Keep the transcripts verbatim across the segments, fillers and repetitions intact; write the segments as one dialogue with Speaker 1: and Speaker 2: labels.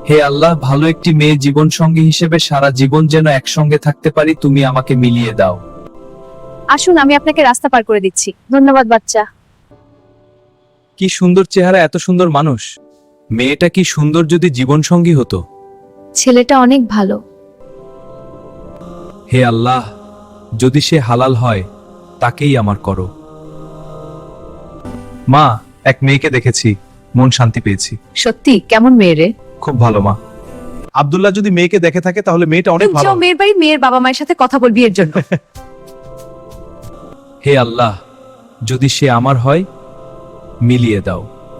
Speaker 1: হে আল্লাহ, ভালো একটি মেয়ে জীবন সঙ্গী হিসেবে সারা জীবন যেন একসঙ্গে থাকতে পারি, তুমি আমাকে মিলিয়ে দাও।
Speaker 2: আসুন, আমি আপনাকে রাস্তা পার করে দিচ্ছি। ধন্যবাদ বাচ্চা।
Speaker 1: কি সুন্দর চেহারা, এত সুন্দর মানুষ। মেয়েটা কি সুন্দর যদি জীবন সঙ্গী হতো।
Speaker 2: ছেলেটা অনেক ভালো।
Speaker 1: হে আল্লাহ, যদি সে হালাল হয় তাকেই আমার করো। মা, এক মেয়েকে দেখেছি, মন শান্তি পেয়েছি।
Speaker 2: সত্যি? কেমন মেয়ে রে?
Speaker 1: খুব ভালো মা। আব্দুল্লাহ যদি মেয়েকে দেখে থাকে তাহলে মেয়েটা অনেক ভালো।
Speaker 2: যাও মেয়ের বাড়ি, মেয়ের বাবা মায়ের সাথে কথা বলবি এর জন্য।
Speaker 1: হে আল্লাহ, যদি সে আমার হয় মিলিয়ে দাও।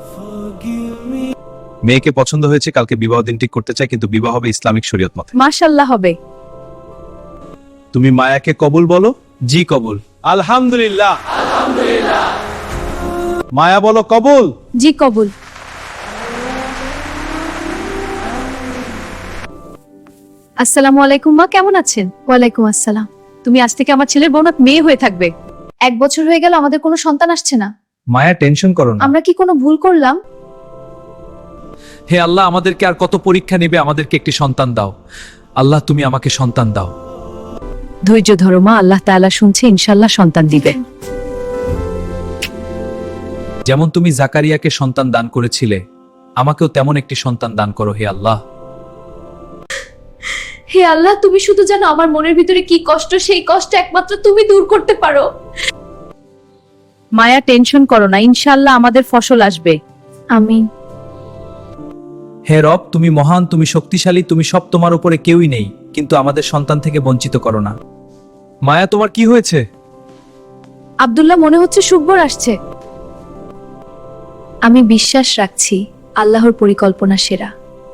Speaker 1: মেয়েকে পছন্দ হয়েছে, কালকে বিবাহ দিন ঠিক করতে চাই, কিন্তু বিবাহ হবে ইসলামিক শরীয়ত মতে।
Speaker 2: মাশাআল্লাহ হবে।
Speaker 1: তুমি মায়াকে কবুল বলো। জি কবুল। আলহামদুলিল্লাহ। আলহামদুলিল্লাহ। মায়া বলো কবুল।
Speaker 2: জি কবুল। আসসালামু আলাইকুম মা, কেমন আছেন? ওয়ালাইকুম আসসালাম। তুমি আজ থেকে আমার ছেলের বোন, মেয়ে হয়ে থাকবে। এক বছর হয়ে গেল আমাদের কোনো সন্তান আসছে না।
Speaker 1: মায়া, টেনশন করো না।
Speaker 2: আমরা কি কোনো ভুল করলাম?
Speaker 1: হে আল্লাহ, আমাদেরকে আর কত পরীক্ষা নেবে, আমাদেরকে একটি সন্তান দাও। আল্লাহ, তুমি আমাকে সন্তান দাও।
Speaker 2: ধৈর্য ধরো মা, আল্লাহ তাআলা শুনছে, ইনশাআল্লাহ সন্তান দিবে।
Speaker 1: যেমন তুমি জাকারিয়াকে সন্তান দান করেছিলে, আমাকেও তেমন একটি সন্তান দান করো হে আল্লাহ।
Speaker 2: হে আল্লাহ, তুমি শুধু জানো আমার মনের ভিতরে কি কষ্ট, সেই কষ্ট একমাত্র তুমি দূর করতে পারো। মায়া, টেনশন করো না, ইনশাআল্লাহ আমাদের ফসল আসবে। আমিন।
Speaker 1: হে রব, তুমি মহান, তুমি শক্তিশালী, তুমি সব, তোমার উপরে কেউই নেই, কিন্তু আমাদের সন্তান থেকে বঞ্চিত করো না। মায়া, তোমার কি হয়েছে?
Speaker 2: আব্দুল্লাহ, মনে হচ্ছে সুখবর আসছে। আমি বিশ্বাস রাখছি আল্লাহর পরিকল্পনা সেরা।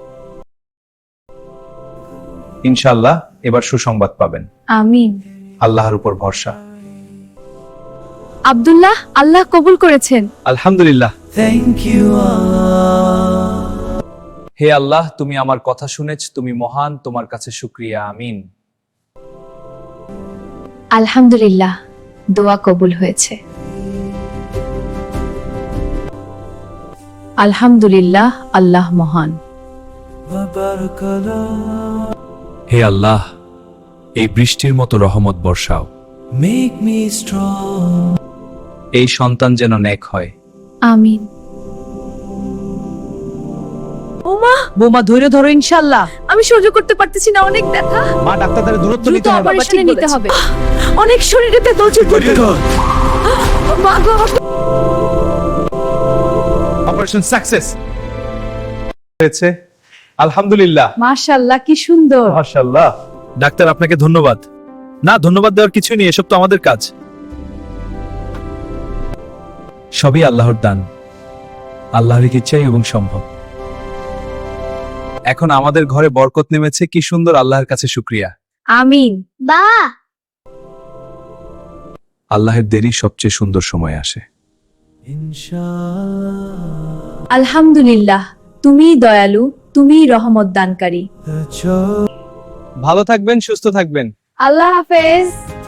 Speaker 1: ইনশাআল্লাহ এবার সুসংবাদ পাবেন।
Speaker 2: আমিন।
Speaker 1: আল্লাহর উপর ভরসা।
Speaker 2: আব্দুল্লাহ, আল্লাহ কবুল করেছেন।
Speaker 1: আলহামদুলিল্লাহ। Thank you. হে আল্লাহ, তুমি আমার কথা শুনেছ, তুমি মহান, তোমার কাছে শুকরিয়া। আমিন।
Speaker 2: আলহামদুলিল্লাহ, দোয়া কবুল হয়েছে। আলহামদুলিল্লাহ, আল্লাহ মহান।
Speaker 1: হে আল্লাহ, এই বৃষ্টির মতো রহমত বর্ষাও।
Speaker 3: Make me strong.
Speaker 1: এই সন্তান যেন নেক হয়।
Speaker 2: আমিন। ওমা, বোমা ধৈর্য ধরো, ইনশাআল্লাহ। আমি সহ্য করতে পারতেছি না, অনেক ব্যথা।
Speaker 1: মা, ডাক্তারদের দূরত্ব
Speaker 2: দ্রুত
Speaker 1: নিতে হবে।
Speaker 2: অপারেশনে নিতে হবে। অনেক শরীরে তেতল ছুটছে। মা গো, আমার
Speaker 1: অপারেশন সাকসেস হয়েছে। আলহামদুলিল্লাহ।
Speaker 2: মাশাআল্লাহ, কি সুন্দর।
Speaker 1: মাশাআল্লাহ। ডাক্তার, আপনাকে ধন্যবাদ। না, ধন্যবাদ দেওয়ার কিছুই নেই, এসব তো আমাদের কাজ। সবই আল্লাহর দান, আল্লাহর ইচ্ছাই এবং সম্ভব। এখন আমাদের ঘরে বরকত নেমেছে, কি সুন্দর, আল্লাহর কাছে শুকরিয়া।
Speaker 2: আমিন।
Speaker 4: বা
Speaker 1: আল্লাহের দেরি সবচেয়ে সুন্দর সময় আসে।
Speaker 3: Inshallah,
Speaker 2: আলহামদুলিল্লাহ, তুমিই দয়ালু, তুমিই রহমত দানকারী।
Speaker 3: the joy.
Speaker 1: ভালো থাকবেন, সুস্থ থাকবেন।
Speaker 2: আল্লাহ হাফেজ।